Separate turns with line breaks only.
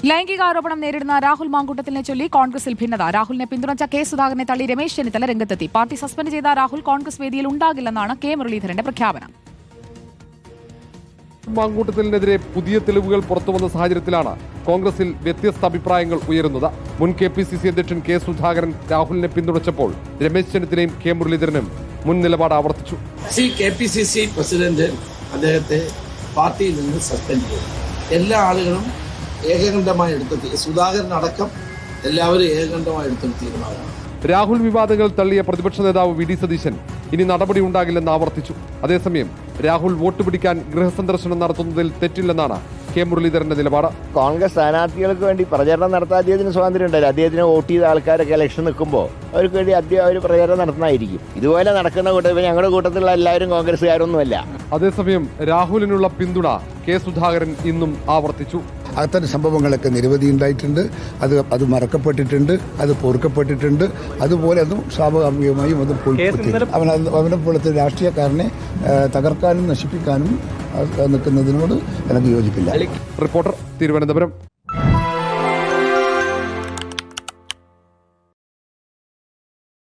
ലൈംഗികാരോപണം നേരിടുന്ന രാഹുൽ മാങ്കൂട്ടത്തിലിനെ ചൊല്ലി കോൺഗ്രസിൽ ഭിന്നത. രാഹുലിനെ പിന്തുണച്ച കെ സുധാകരനെ തള്ളി രമേശ് ചെന്നിത്തല രംഗത്തെത്തി. പാർട്ടി സസ്പെൻഡ് ചെയ്ത രാഹുൽ കോൺഗ്രസ് വേദിയിൽ ഉണ്ടാകില്ലെന്നാണ് കെ മുരളീധരന്റെ പ്രഖ്യാപനം.
മാങ്കൂട്ടത്തിനെതിരെ പുതിയ തെളിവുകൾ പുറത്തുവന്ന സാഹചര്യത്തിലാണ് കോൺഗ്രസിൽ വ്യത്യസ്ത അഭിപ്രായങ്ങൾ ഉയരുന്നത്. മുൻ KPCC അധ്യക്ഷൻ കെ സുധാകരൻ രാഹുലിനെ പിന്തുണച്ചപ്പോൾ രമേശ് ചെന്നിത്തലയും കെ മുരളീധരനും മുൻ നിലപാട് ആവർത്തിച്ചു.
KPCC പ്രസിഡന്റ് അദ്ദേഹത്തെ പാർട്ടിയിൽ നിന്ന് സസ്പെൻഡ് ചെയ്തു. എല്ലാ ആളുകളും ഏകകണ്ഠമായി എടുത്ത സുധാകരൻ അടക്കം എല്ലാവരും ഏകകണ്ഠമായി എടുത്തൊരു തീരുമാനമാണ്.
രാഹുൽ വിവാദങ്ങൾ തള്ളിയ പ്രതിപക്ഷ നേതാവ് VD സതീശൻ ഇനി നടപടി ഉണ്ടാകില്ലെന്ന് ആവർത്തിച്ചു. അതേസമയം രാഹുൽ വോട്ട് പിടിക്കാൻ ഗൃഹസന്ദർശനം നടത്തുന്നതിൽ തെറ്റില്ലെന്നാണ് കെ മുരളീധരന്റെ നിലപാട്.
കോൺഗ്രസ് സ്ഥാനാർത്ഥികൾക്ക് വേണ്ടി പ്രചരണം നടത്താൻ അദ്ദേഹത്തിന് സ്വാതന്ത്ര്യം ഉണ്ടല്ലോ. അദ്ദേഹത്തിന് വോട്ട് ചെയ്ത ആൾക്കാരൊക്കെ ഇലക്ഷൻ നിൽക്കുമ്പോൾ അവർക്ക് വേണ്ടി അദ്ദേഹം ഒരു പ്രചരണം നടത്തുന്നതായിരിക്കും. ഇതുപോലെ നടക്കുന്ന കൂട്ടത്തിൽ ഞങ്ങളുടെ കൂട്ടത്തിലുള്ള എല്ലാവരും കോൺഗ്രസ്സുകാരൊന്നുമല്ല.
അതേസമയം രാഹുലിനുള്ള പിന്തുണ കെ സുധാകരൻ ഇന്നും ആവർത്തിച്ചു.
അത്തരം സംഭവങ്ങളൊക്കെ നിരവധി ഉണ്ടായിട്ടുണ്ട്. അത് മറക്കപ്പെട്ടിട്ടുണ്ട്, അത് പൊറുക്കപ്പെട്ടിട്ടുണ്ട്. അതുപോലെ അതും സ്വാഭാവികമായും അത് അവനെ പോലത്തെ രാഷ്ട്രീയക്കാരനെ തകർക്കാനും നശിപ്പിക്കാനും നിൽക്കുന്നതിനോട് എനിക്ക് യോജിപ്പില്ല.
റിപ്പോർട്ടർ, തിരുവനന്തപുരം.